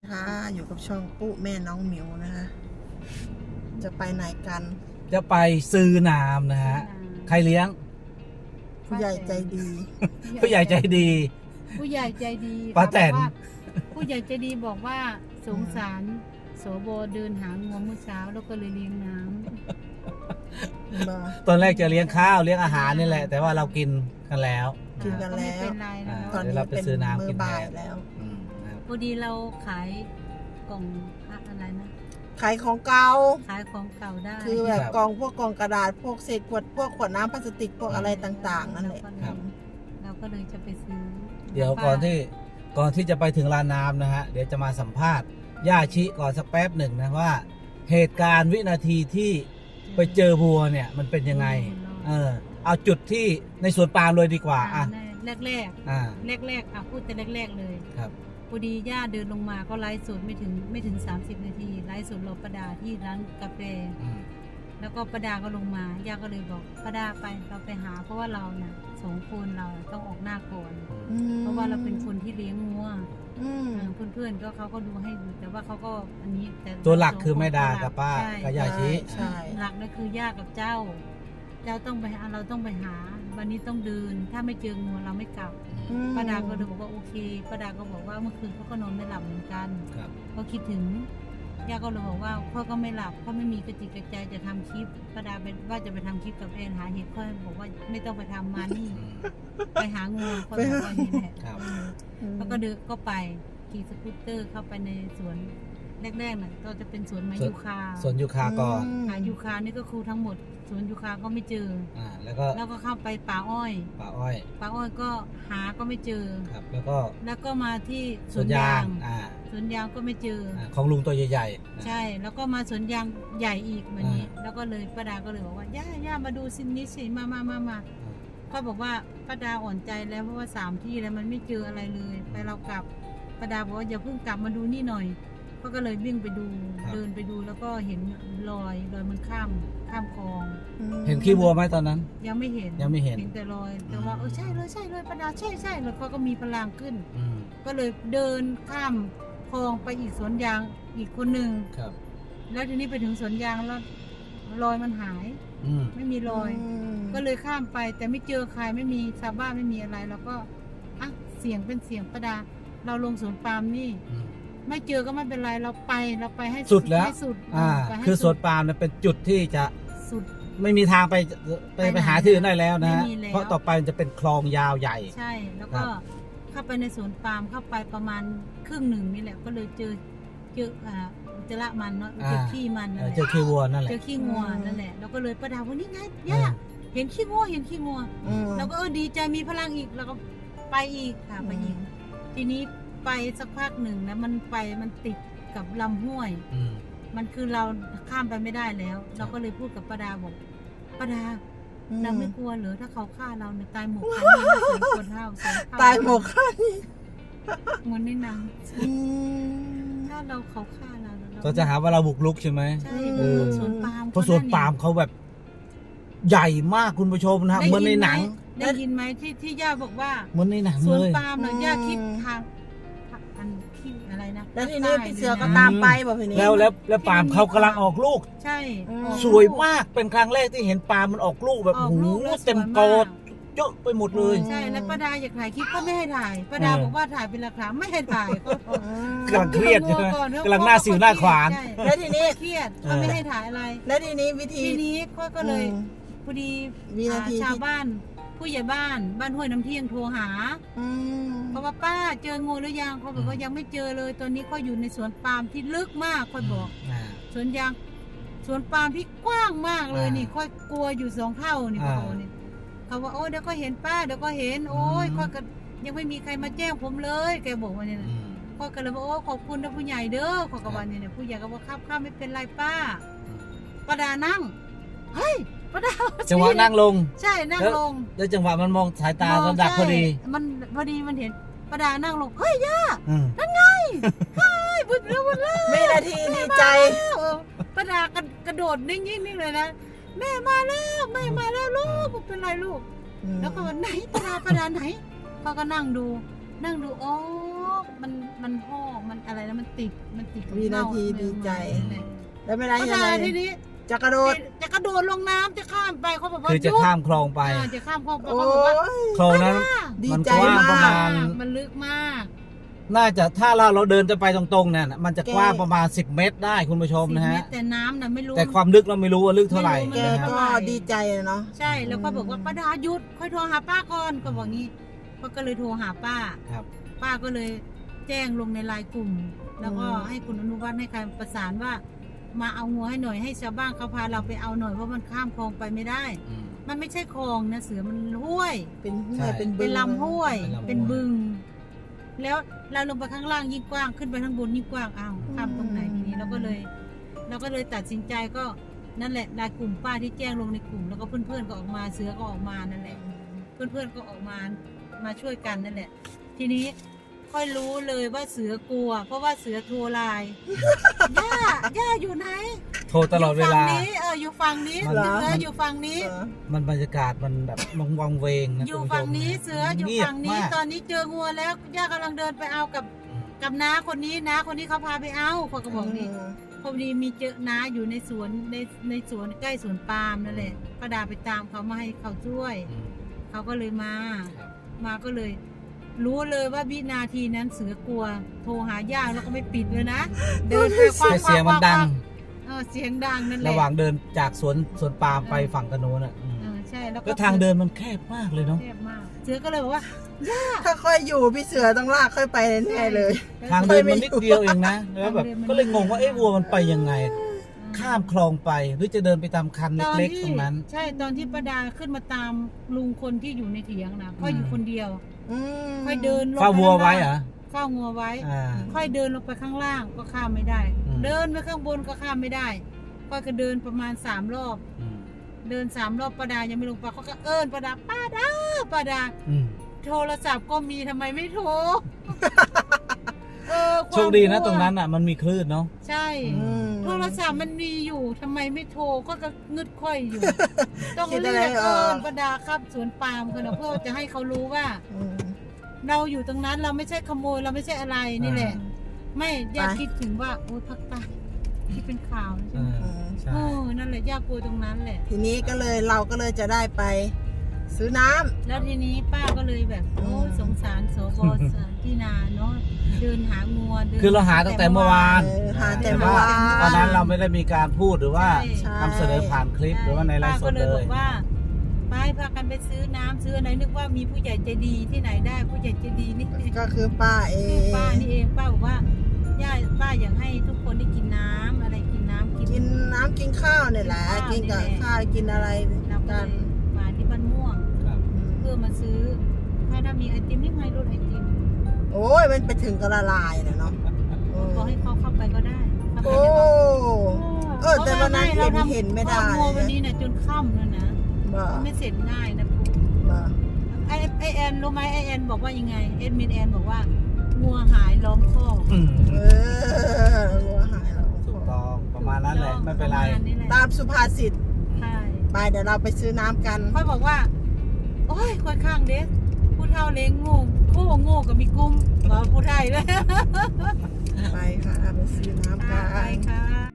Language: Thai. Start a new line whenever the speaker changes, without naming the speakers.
ค่ะอยู่กับช่องปุ๊แม่น้องหมิวนะคะจะไปไหนกัน
จะไปซื้อน้ำนะฮะใครเลี้ยง
ผู้ใหญ่ใจดี
ผู้ใหญ่ใจดี
ผู้ใหญ่ใจดี
ป้าแตน
บอกว่าผู้ใหญ่ใจดีบอกว่าสงสารโสโบเดินหางัวเมื่อเช้าแล้วก็เลยเลี้ยงน้ำ
มา
ตอนแรกจะเลี้ยงข้าวเลี้ยงอาหารนี่แหละ แต่ว่าเรากินกันแล้ว
กินกันแล้ว
ไม่เป็นไรนะ
ตอน
เดี๋ยว
นี้
เราไป
เป็น
ซื้อน้ำ
มื้
กิ
อน บ่าย
แทน
แล้ว
นะครับ
พอดีเราขายกล่องอะไรนะ
ขายของเก่า
ขายของเก่าได้
คือแบบกองพวกกองกระดาษพวกเศษขวดพวกขวดน้ำพลาสติกพวกอะไรต่างๆนั่นแหละ
เราก็เลยจะไปซื้อ
เดี๋ยวก่อนที่จะไปถึงร้านน้ำนะฮะเดี๋ยวจะมาสัมภาษณ์ย่าชิก่อนสักแป๊บหนึ่งนะว่า เหตุการณ์วินาทีที่ไปเจอวัวเนี่ยมันเป็นยังไงเอาจุดที่ในสวนปาล์มเลยดีกว่าอ่ะ
แรก
อ่า
พูดแต่แรกเลย
ครับ
พอดีย่าเดินลงมาก็ไลฟ์สดไม่ถึง30 นาทีไลฟ์สดรอประดาที่ร้านกาแฟ
อืม
แล้วก็ประดาก็ลงมาย่าก็เลยบอกประดาไปเราไปหา เพราะว่าเราน่ะ2 คนเราต้องออกหน้าก่อน เพราะว่าเราเป็นคนที่เลี้ยงงัว
อืม
เพื่อนๆก็เขาก็ดูให้ดูแต่ว่าเขาก็อันนี้แต่
ตัวหลักคือแม่ดากับป้า
ใช่
กับย่าชิ
ใช่
หลักนั่นคือย่ากับเจ้าต้องไปหาเราต้องไปหา วันนี้ต้องเดินถ้าไม่เจองัวเราไม่กลับ
อืม
ป้าดาก็เลยบอกว่าโอเคป้าดาก็บอกว่าเมื่อคืนเขาก็นอนไม่หลับเหมือนกัน
ครับ
ก็คิดถึงย่าก็เลยบอกว่าพ่อก็ไม่หลับพ่อไม่มีกระจิตกระใจจะทำคลิปป้าดาเป็นว่าจะไปทำคลิปกับแอนหาเหตุพ่อบอกว่าไม่ต้องไปทำมานี่ ไปหางูพ่อบอกว่านี่แหละ
ครับ
แล้วก็เดินก็ไปขี่สกูตเตอร์เข้าไปในสวนแรกๆน่ะก็จะเป็นสวนไม้ยูคา
สวนยูคาก่อน
หายูคานี่ก็คือทั้งหมดสวนยูคาก็ไม่เจอ
แล้วก็
แล้วก็เข้าไปป่าอ้อย
ป่าอ้อย
ป่าอ้อยก็หาก็ไม่เจอ
ครับ แล้วก็
แล้วก็มาที่ส
ส
ว
วน นยาย
นาง ง
อ่า
สวนยางก็ไม่เจอ
ของลุงตัวใหญ่ๆ
ใช่ แล้วก็มาสวนยางใหญ่อีกเหมือนนี้ แล้วก็เลยป้าดาก็เลยบอกว่าย่ามาดูสินี้สิมาก็บอกว่าป้าดาอ่อนใจแล้วเพราะว่า3 ที่แล้วมันไม่เจออะไรเลยไปเรากลับป้าดาบอกว่าอย่าเพิ่งกลับมาดูนี่หน่อยก็เลยวิ่งไปดูเดินไปดูแล้วก็เห็นรอยมันข้ามคลอง
เห็นขี้วัวไหมตอนนั้น
ยังไม่เห็น
ยังไม่เห็น
แต่รอยแต่ว่าใช่เลยป้าดาใช่แล้วเขาก็มีพลังขึ้น
อืม
ก็เลยเดินข้ามคลองไปอีกสวนยางอีกคนหนึ่ง
ครับ
แล้วทีนี้ไปถึงสวนยางแล้วรอยมันหาย
อืม
ไม่มีรอย ก็เลยข้ามไปแต่ไม่เจอใครไม่มีชาวบ้านไม่มีอะไรแล้วก็อ่ะเสียงเป็นเสียงประดา เราลงสวนปาล์มนี่
อืม
ไม่เจอก็ไม่เป็นไรเราไปให้
สุดแล้ว
ให้สุด ไปให้
คือสวน
สุด
ปาล์มเนี่ยเป็นจุดที่จะ
สุด
ไม่มีทางไป
ไปไหน
หาที่อื่นได้แล้วนะฮะ
ไม่มีแล้ว
เพราะต่อไปมันจะเป็นคลองยาวใหญ่
ใช่ แล้วก็
ครับ
เข้าไปในสวนปาล์มเข้าไปประมาณครึ่งหนึ่งนี่แหละ ก็เลยเจออุจจาระมันเนาะเจอขี้มันนั่นแหละ
เจอขี้วัวนั่นแหละ
เจอขี้งัวนั่นแหละแล้วก็เลยประดาว่านี่ไงย่าเห็นขี้งัวแล้วก็ดีใจมีพลังอีกแล้วก็ไปอีกค่ะไปอีกทีนี้ไปสักพักหนึ่งนะมันติดกับลำห้วย
อืม
มันคือเราข้ามไปไม่ได้แล้ว เราก็เลยพูดกับประดาบอกประดาเราไม่กลัวเหรอถ้าเขาฆ่าเราเนี่ยตายหมกกันนี่นะสองคนเท่าสองเท่า
ตายหมกค่ะ
เหมือนในหนังถ้าเขาฆ่าเรา
ก็จะหาว่าเราบุกรุกใช่ไหม
ใช่
เออ
สวนปาล์ม
เพราะสวนปาล์มเขาแบบ ใหญ่มากคุณผู้ชมนะฮะเหมือนในหนัง
ได้ยินไหมที่ย่าบอกว่า
เหมือนในหนัง
สวน
เลย
ปาล์มเราย่าคิดทางอันที่อะไรนะ
แล้วทีนี้พี่เสือก็
ใต้
ตามไปบอกพี่นี้
แล้วปาล์มเขากำลังออกลูก
ใช่
สวยมากเป็นครั้งแรกที่เห็นปาล์มมันออกลูกแบบ
ออก
หู
ลูกแล้ว
เต็ม
สวย
โก
มาก
ดเยอะไปหมดเลย
ใช่แล้วป้าดาอยากถ่ายคลิปก็ไม่ให้ถ่ายป้าดาบอกว่าถ่ายเป็นหลักฐานไม่ให้ถ่ายก็
กำลังเครียดใช่ไหมกำลังหน้าสิวหน้าขวาน
ใช่
แล้วทีนี้
เครียดก็ไม่ให้ถ่ายอะไร
แล้วทีนี้วิธี
ทีนี้ก็เลยพอดี
วินาที
ชาวบ้านผู้ใหญ่บ้านห้วยน้ำเที่ยงโทรหา เพราะว่าป้าเจองูหรือยังเขาบอกว่ายังไม่เจอเลยตอนนี้เขาอยู่ในสวนปาล์มที่ลึกมากเขาบอก สวนยางสวนปาล์มที่กว้างมากเลยนี่ค่อยกลัวอยู่2 เท่านี่เขาบอกนี่เขาว่าโอ้เดี๋ยวก็เห็นป้าเดี๋ยวก็เห็นโอ้ยค่อยก็ยังไม่มีใครมาแจ้งผมเลยแกบอกว่าเนี่ยนะค่อยก็เลยบอกโอ้ขอบคุณนะผู้ใหญ่เด้อขอกระบาลเนี่ยผู้ใหญ่ก็บอกครับไม่เป็นไรป้าป้าดานั่งเฮ้ยป้าดา
จังหวะนั่งลง
ใช่นั่งลง
แล้วจังหวะมันมองสายตาระดับพอดี
มันพอดีมันเห็นป้าดานั่งลงเฮ้ยย่า
นั่น
เฮ้ยบุญแล้วบุญแล้ว
วินาทีดีใจ
ป้าดากระโดดนิ่งๆเลยนะแม่มาแล้วลูกเป็นไรลูกแล้วก็ไหนป้าดาไหนเขาก็นั่งดูอ๋อมันห่อมันอะไรนะมันติดกับ
วินาทีดีใจ แล้วไม่ได้
ก็
ยัง
ได้
ไง
ทีนี้
จะกระโดด
จะกระโดดลงน้ำจะข้ามไปเขาบอกว่า
คือจะข้ามคลองไป
จะข้ามคลองไป
โอ้
เขาบอกว่า
ย
คลองนั้น
ดี
มัน
ใจ
กว้างประมาณ
มันลึกมาก
น่าจะถ้าเราเดินจะไปตรงๆเนี่ยมันจะกว้างประมาณ10 เมตรได้คุณผู้ชมนะ
10
ฮะ
เมตรแต่น้ำน่ะไม่รู้
แต่ความลึกเราไม่รู้ว่าลึกเท่าไหร่
ไม่
แก
รู้
นะฮะ
ก็ดีใจเนาะ
ใช่แล้วก็บอกว่าป้าดาหยุดค่อยโทรหาป้าก่อนก็บอกงี้ก็เลยโทรหาป้า
ครับ
ป้าก็เลยแจ้งลงในไลน์กลุ่ม แล้วก็ให้คุณอนุวัฒน์ให้การประสานว่า มาเอางัวให้หน่อยให้ชาวบ้านเขาพาเราไปเอาหน่อยเพราะมันข้ามคลองไปไม่ได้
อืม
มันไม่ใช่คลองนะเสือมันห้วย
เป็นห้ว
ใช่
ยเป็นบึง
เป็นลำห้วย
เป็นลำห้วย
เป็นบึง แล้วเราลงไปข้างล่างยิ่งกว้างขึ้นไปข้างบนยิ่งกว้างอ้าวข้ามตรงไหนทีนี้เราก็เลยตัดสินใจก็นั่นแหละไลน์กลุ่มป้าที่แจ้งลงในกลุ่ม แล้วก็เพื่อนๆก็ออกมาเสือก็ออกมานั่นแหละ เพื่อนๆก็ออกมาช่วยกันนั่นแหละ ทีนี้ค่อยรู้เลยว่าเสือกลัว เพราะว่าเสือโทรไลน์ ย่าอยู่ไหน
โทรตลอดเวลา
อยู่ฝั่งนี้เสืออยู่ฝั่งนี้
เออ
มันบรรยากาศมันแบบวังเวงนะ
อยู่
คุณผู้ชม
ฝั่งนี้เสืออยู่
เงียบ
ฝั่งนี้
มาก
ตอนนี้เจองัวแล้วย่ากำลังเดินไปเอากับน้าคนนี้น้าคนนี้เขาพาไปเอาเขาก็บอกนี่พอดีมีเจอน้าอยู่ในสวนในสวนใกล้สวนปาล์มนั่นแหละป้าดาไปตามเขามาให้เขาช่วย
อืม
เขาก็เลยมา
ครับ
มาก็เลย รู้เลยว่าวินาทีนั้นเสือกลัว โทรหาย่าแล้วก็ไม่ปิดเลยนะ เดินไปคว้า
แต่เสียงมันดัง
เสียงดังนั่นแหละ
ระหว่างเดินจากสวนปาล์มไปฝั่งกระโน้นอ่ะอืม
ใช่แล้วก็
แล้วทางเดินมันแคบมากเลยเนาะ
แคบมาก เสือก็เลยบอกว่า
ถ้าค่อยอยู่พี่เสือต้องลากค่อยไปแน่ๆเลย
ทางเดินมันนิดเดียวเองนะแล้วแบบก็เลยงงว่าเอ๊ะวัวมันไปยังไง ข้ามคลองไปหรือจะเดินไปตามคันเล็กๆตรงนั้น
ใช่ตอนที่ป้าดาขึ้นมาตามลุงคนที่อยู่ในเถียงนะค่อยอยู่คนเดียว
อืม
ค่อยเดินลง
เฝ้าวัวไว้เหรอ
เฝ้างัวไว้
อ่า
ค่อยเดินลงไปข้างล่างก็ข้ามไม่ได้
อืม
เดินไปข้างบนก็ข้ามไม่ได้ค่อยก็เดินประมาณ3 รอบ
อืม
เดิน3 รอบป้าดายังไม่ลงไปเขาก็เอิ้นป้าดาป้าดา
อืม
โทรศัพท์ก็มีทำไมไม่โทร
โชคดีนะตรงนั้นอ่ะมันมีคลื่นเนาะ
ใช่
อืม
โทรศัพท์มันมีอยู่ทำไมไม่โทรก็งึดค่อยอยู่ ต้อง
คิด
เรี
อะไร
ยก
ไม่ออก
ป้าดาครับสวนปาล์มคนนะเพื่อจะให้เขารู้ว่า
อืม
เราอยู่ตรงนั้นเราไม่ใช่ขโมยเราไม่ใช่อะไรนี่แหละ ไม่อยาก
ไป
คิดถึงว่าโอ้ยภาคใต้ที่เป็นข่าวนะ
เอ
ใช่ไหม
อใช่
นั่นแหละย่ากลัวตรงนั้นแหละ
ทีนี้ก็เลยเราก็เลยจะได้ไป ซื้อน้ำ
แล้วทีนี้ป้าก็เลยแบบโอ้ย
อืม
สงสารสบที่นาเนาะเดินหางัวเดิน
คือเราหาตั้งแต่เมื่อวาน
หาแต่
แต่
เมื่อ
ว่าว
าน
ตอนนั้นเราไม่ได้มีการพูดหรือว่า
ใช่
นำเสนอผ่านคลิปหรือว่าในไลฟ์ส
ป้า
ด
ก็เล
เลย
บอก
ย
ว่าไปพากันไปซื้อน้ำซื้ออะไรนึกว่ามีผู้ใหญ่ใจดีที่ไหนได้ผู้ใหญ่ใจดีนี่คือ
ก็คือป้าเอง
ป้านี่เองป้าบอกว่าย่าป้าอยากให้ทุกคนได้กินน้ำอะไรกินน้ำ
กินน้ำกินข้าวเนี่ยแหละ กินกับข้าวกินอะไร
เราก็
กั
เล
น
ยมาที่บ้านม่วง
ครับ
เพื่อมาซื้อถ้ามีไอติมนี่ไงรถไอติม
โอ้ยมันไปถึงก็ละลายนะเนาะ
ก็ให้เขาเข้าไปก็ได้เข้าไป
โอ้
ได้
แต่วันนั้นเห็นไม่ได้
งัววันนี้นะจนค่ำแล้วนะ
บ่
ไม่เสร็จง่ายนะปุ๊
บ่
ไอแอนรู้ไหมไอแอนบอกว่ายังไงเอ็ดมินแอนบอกว่างัวหายล้อมคอก
อืม
เออวัวหายแล้ว
ถูกต้องประมาณนั้นแหละไม่เป็นไร
ประาณนี้แหละ
ตามสุภาษิต
ใช่
ไปเดี๋ยวเราไปซื้อน้ำกัน
ค่อยบอกว่า โอ้ยค่อยข้างเด็กผู้เฒ่าเลี้ยงงูโค้โง่กับมีกุ้มบอกผู้ไทยเลย
ไปค่ะไปซื้อน้ำกั
ไป
น
ค่ะ